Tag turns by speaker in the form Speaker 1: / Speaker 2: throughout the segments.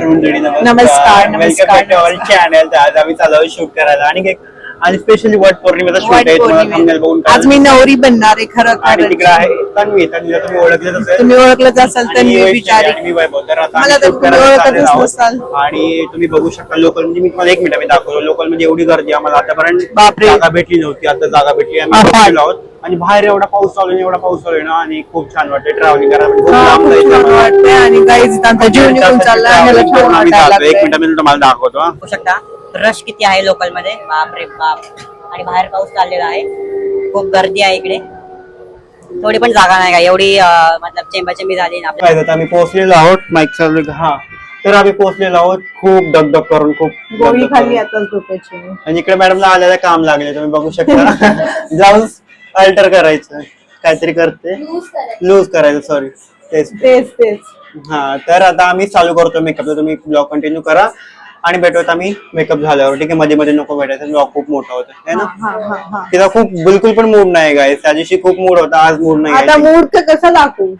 Speaker 1: नमस्कार मंडळी.
Speaker 2: नमस्कार.
Speaker 1: Welcome to all channel. आज आम्ही चालू शूट करायला आणि स्पेशली वट पौर्णिमेचा शूट आहे. तुम्हाला thumbnail बघून
Speaker 2: आज मी नवरी बनणार आहे खरं
Speaker 1: आणि तिकडे आहे तन्वीला तुम्ही ओळखलेच असेल.
Speaker 2: तुम्ही ओळखलंच असाल तर मी विचारे
Speaker 1: मी वैभव. तर आता
Speaker 2: मला
Speaker 1: आम्ही
Speaker 2: तर
Speaker 1: shoot
Speaker 2: तुम्ही
Speaker 1: करायला
Speaker 2: ओळखतच
Speaker 1: चाललेलो आहोत.
Speaker 2: नसाल.
Speaker 1: आणि तुम्ही बघू शकता लोकल म्हणजे मी तुम्हाला एक मिनिट मी दाखवतो. लोकल म्हणजे एवढी गर्दी आम्हाला आतापर्यंत
Speaker 2: बापरे.
Speaker 1: जागा भेटली नव्हती. आता जागा भेटली. आम्ही बसलेलो आहोत आणि बाहेर एवढा पाऊस चालू आहे, एवढा पाऊस चालू आहे ना आणि खूप छान वाटते ट्रॅव्हलिंग करायला. खूप लांब जायचं
Speaker 2: छान
Speaker 1: आम्हाला.
Speaker 2: वाटतंय आणि गाईज आमचा जीव निघून चालला आणि मला छान
Speaker 1: आम्ही
Speaker 2: वाटायला
Speaker 1: जातो. एक
Speaker 2: लागलंय.
Speaker 1: मिनिट मी तुम्हाला दाखवतो. हा.
Speaker 3: बघू शकता रश किती आहे लोकल मध्ये. बाप रे बाप. आणि बाहेर पाऊस चाललेला आहे. खूप गर्दी आहे इकडे. थोडी पण जागा नाही का एवढी मतलब चेंबाचेंबी झाली ना आपल्या.
Speaker 1: काय झालं, आम्ही पोहोचलेलो आहोत. माईक चालू आहे. हा तर आम्ही पोहोचलेलो आहोत. खूप दगदग करून खूप
Speaker 2: गोळी
Speaker 1: दगदग
Speaker 2: खाल्ली
Speaker 1: करून.
Speaker 2: आता झोपेची.
Speaker 1: आणि इकडे मॅडमला आलेलं काम लागले तुम्ही बघू शकता. ब्लाऊज अल्टर करायचं काहीतरी करते लूज करायचं सॉरी तेच
Speaker 2: तेच
Speaker 1: हा. तर आता आम्ही चालू करतो मेकअप. तुम्ही ब्लॉग कंटिन्यू करा आणि भेटूयात आम्ही मेकअप झाल्यावर. ठीक आहे. मध्ये मध्ये नको भेटायचं. ब्लॉग खूप मोठा होता है ना. तिला खूप बिलकुल पण मूड नाही गाय. त्या दिवशी खूप मूड होता, आज मूड नाही
Speaker 2: आता
Speaker 1: आहे.
Speaker 2: मूर्ख कसं दाखवू.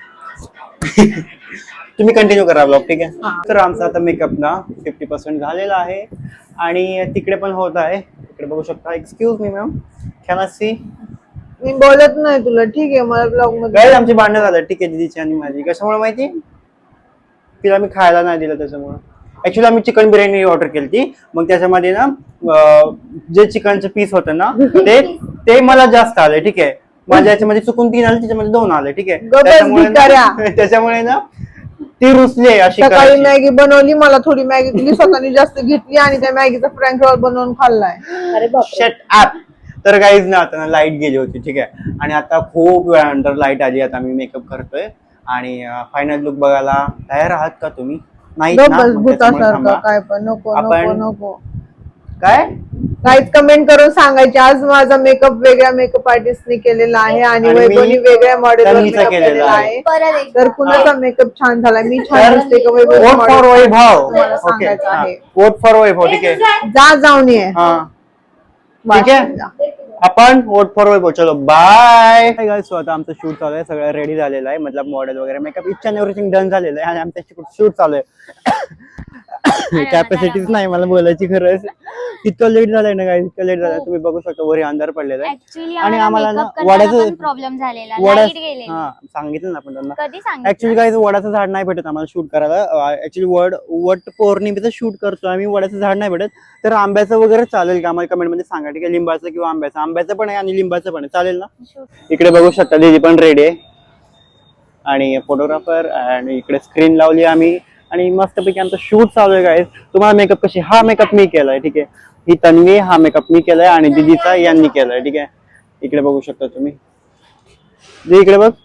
Speaker 1: तुम्ही कंटिन्यू करा ब्लॉग. ठीक आहे. तर आमचा आता मेकअप ना 50% झालेला आहे आणि तिकडे पण होत आहे. तिकडे बघू शकता. Excuse me ma'am, can I see.
Speaker 2: मी बोलत नाही तुला. ठीक आहे. मला ब्लॉग मध्ये
Speaker 1: गाईज आमची भांडणं झालं. ठीक आहे दीदीची आणि माझी. कशामुळे माहिती, तिला मी खायला नाही दिलं त्याच्यामुळे. ऍक्च्युली आम्ही चिकन बिर्याणी ऑर्डर केली ती. मग त्याच्यामध्ये ना जे चिकनचे पीस होतं ना ते मला जास्त आले. ठीक आहे. माझ्या याच्यामध्ये चुकून 3 आले, त्याच्यामध्ये 2 आले. ठीक आहे. त्याच्यामुळे ना ती रुसली अशी.
Speaker 2: सकाळी मॅगी बनवली, मला थोडी मॅगी दिली, स्वतःने जास्त घेतली आणि त्या मॅगीचा फ्रँक रोल बनवून खाल्लाय. अरे
Speaker 1: शट अप. तर गाईज ना आता ना लाईट गेली होती. ठीक आहे. आणि आता खूप वेळानंतर लाईट आली. आता आम्ही मेकअप करतोय आणि फायनल लुक बघायला तयार आहात का तुम्ही? नाही ना? मग त्याच्यामुळे थांबा.
Speaker 2: काय पण नको
Speaker 1: आपण-
Speaker 2: नको
Speaker 1: काय
Speaker 2: काहीच कमेंट करून सांगायचे. आज माझा मेकअप वेगळ्या मेकअप आर्टिस्टने केलेला आहे आणि
Speaker 1: आणि मी
Speaker 2: वैभवनी वेगळ्या मॉडेलवर
Speaker 1: तन्वीचा
Speaker 2: मेकअप
Speaker 1: केलेला
Speaker 2: केलेला
Speaker 1: आहे.
Speaker 2: आहे. तर कुणाचा मेकअप छान झाला, मी छान
Speaker 1: तर
Speaker 2: दिसते का वैभव
Speaker 1: वोट फॉर वैभव.
Speaker 2: तुम्हाला
Speaker 1: ओके.
Speaker 2: सांगायचं आहे.
Speaker 1: Vote for Vaibhav. ठीक आहे.
Speaker 2: जा जाऊन ये.
Speaker 1: हा ठीक आहे. आपण वोट फॉर वैभव. चलो बाय गाइस. सो आता आमचं शूट चालू आहे. सगळं रेडी झालेलं आहे. मतलब मॉडेल वगैरे makeup each and everything done झालेलं आहे आणि आमचं शूट चालू आहे. कॅपॅसिटीच नाही मला बोलायची खरंच. इतकं लेट झालंय ना गाइस, इतकं लेट झालंय. तुम्ही बघू शकता वरी अंधार पडलेला आहे आणि आम्हाला ना वडाचं
Speaker 4: प्रॉब्लेम झालेला.
Speaker 1: हा सांगितलं ना आपण त्यांना.
Speaker 4: कधी सांगितलं?
Speaker 1: ऍक्च्युली गाइस वडाचं झाड नाही भेटत आम्हाला शूट करायला. ऍक्च्युली वट पौर्णिमेचं शूट करतो आम्ही. वडाचं झाड नाही भेटत. तर आंब्याचं वगैरे चालेल का आम्हाला कमेंट मध्ये सांगा. ठीक आहे. लिंबाचं किंवा आंब्याचं पण आहे आणि लिंबाचं पण आहे. चालेल ना. इकडे बघू शकता दीदी पण रेडी आहे आणि फोटोग्राफर आणि इकडे स्क्रीन लावली आम्ही आणि मस्तपैकी आमचं शूट चालू आहे गाइस. तुम्हाला मेकअप कशी, हा मेकअप मी केलाय. ठीक आहे. ही तन्वी, हा मेकअप मी केलाय आणि दीदीचा यांनी केलाय. ठीक आहे. इकडे बघू शकता तुम्ही. दीदी इकडे बघ.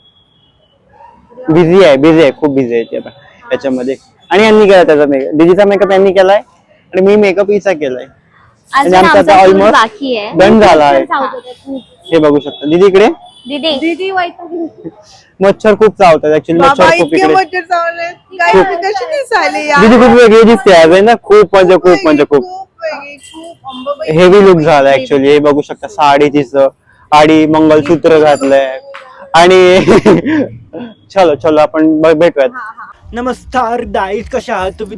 Speaker 1: बिझी आहे खूप बिझी आहे ती आता याच्यामध्ये. आणि यांनी केलाय त्याचा मेकअप. दीदीचा मेकअप यांनी केलाय आणि मी मेकअप हिचा केलाय आणि आमचा आता ऑलमोस्ट डन झाला आहे. हे बघू शकता. दीदी इकडे.
Speaker 2: दीदी
Speaker 1: मच्छर खूप चावतात. ऍक्च्युली मच्छर खूप इकडे.
Speaker 2: कशी दिसायली यार.
Speaker 1: दीदी खूप वेगळी दिसते आज आहे ना. खूप खूप हेवी लुक झाला ऍक्च्युली. हे बघू शकता. साडी तिचं आणि मंगलसूत्र घातलंय आणि चलो आपण भेटूयात. नमस्कार गाईज, कशा आहात तुम्ही?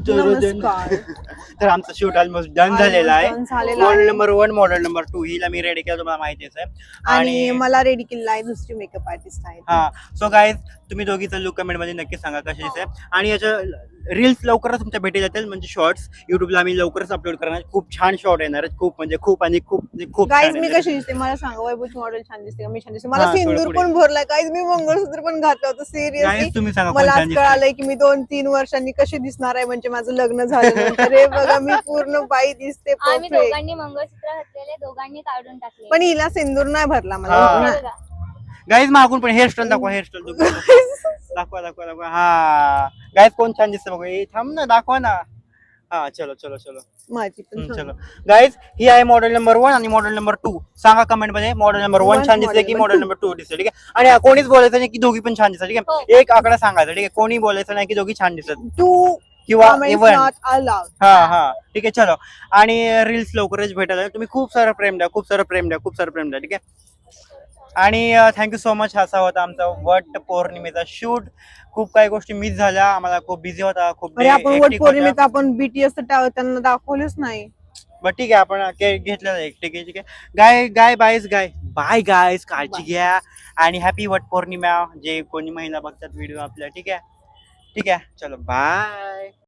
Speaker 1: तर आमचं शूट ऑलमोस्ट डन झालेला आहे. मॉडेल नंबर 1, मॉडेल नंबर 2 हिला मी रेडी केलं, तुम्हाला माहितीच आहे.
Speaker 2: आणि मला रेडी केलेला आहे दुसरी मेकअप आर्टिस्ट आहे.
Speaker 1: हा. सो गाईज तुम्ही दोघीचा लुक कमेंट मध्ये नक्की सांगा कशी दिसते. आणि याच्या रील्स लवकरच तुमच्या भेटी जातील. म्हणजे शॉर्ट्स युट्यूबला आम्ही लवकरच अपलोड करणार. खूप छान शॉर्ट येणार आहेत. खूप
Speaker 2: गाईज मी कशी दिसते मला सांगा. वैभवची मॉडेल छान दिसते का मी छान दिसते? मला सिंदूर पण भरलाय गाईज. मी मंगळसूत्र पण घातलं होतं. सिरियसली
Speaker 1: तुम्ही सांगा
Speaker 2: मला आज कळालंय की मी 2-3 वर्षांनी कशी दिसणार आहे. म्हणजे माझं लग्न झाल्यानंतर हे बघा मी पूर्ण बाई दिसते.
Speaker 4: आम्ही दोघांनी मंगळसूत्र घातलेले, दोघांनी काढून टाकले.
Speaker 2: पण हिला सिंदूर नाही भरला मला.
Speaker 1: गाईज मागून पण हेअरस्टाईल दाखवा. हेअरस्टाईल दाखवा. हा गाईज कोण छान दिसतं बघा. थांब ना, दाखवा ना. हा चलो
Speaker 2: माझी पण
Speaker 1: चलो गाईज ही आहे मॉडेल नंबर 1 आणि मॉडेल नंबर 2. सांगा कमेंट मध्ये मॉडेल नंबर 1 छान दिसते की मॉडेल नंबर 2 दिसते. ठीक आहे. आणि कोणीच बोलायचं नाही की दोघी पण छान दिसतात. ठीक आहे. एक आकडा सांगायचा. ठीक आहे. कोणी बोलायचं नाही की दोघी छान दिसतात
Speaker 2: 2
Speaker 1: किंवा इव्हन.
Speaker 2: हा.
Speaker 1: ठीक आहे. चलो आणि रील्स लवकरच भेटायला. तुम्ही खूप सारं प्रेम द्या. ठीक आहे. आणि थँक्यू सो मच. असा होता आमचा वट पौर्णिमेचा शूट. खूप काही गोष्टी मिस झाल्या, आम्हाला खूप बिझी होता, खूप
Speaker 2: अरे आपण
Speaker 1: hectic
Speaker 2: वट
Speaker 1: होता.
Speaker 2: पौर्णिमेचा आपण बीटीएस त्यांना दाखवलंच नाही.
Speaker 1: बट ठीक आहे, आपण घेतलेलं आहे. ठीक आहे, ठीक आहे. बाय गायज, काळजी घ्या आणि हॅपी वट पौर्णिमा. जे कोणी महिला बघतात व्हिडिओ आपल्या. ठीक आहे, ठीक आहे, चलो बाय.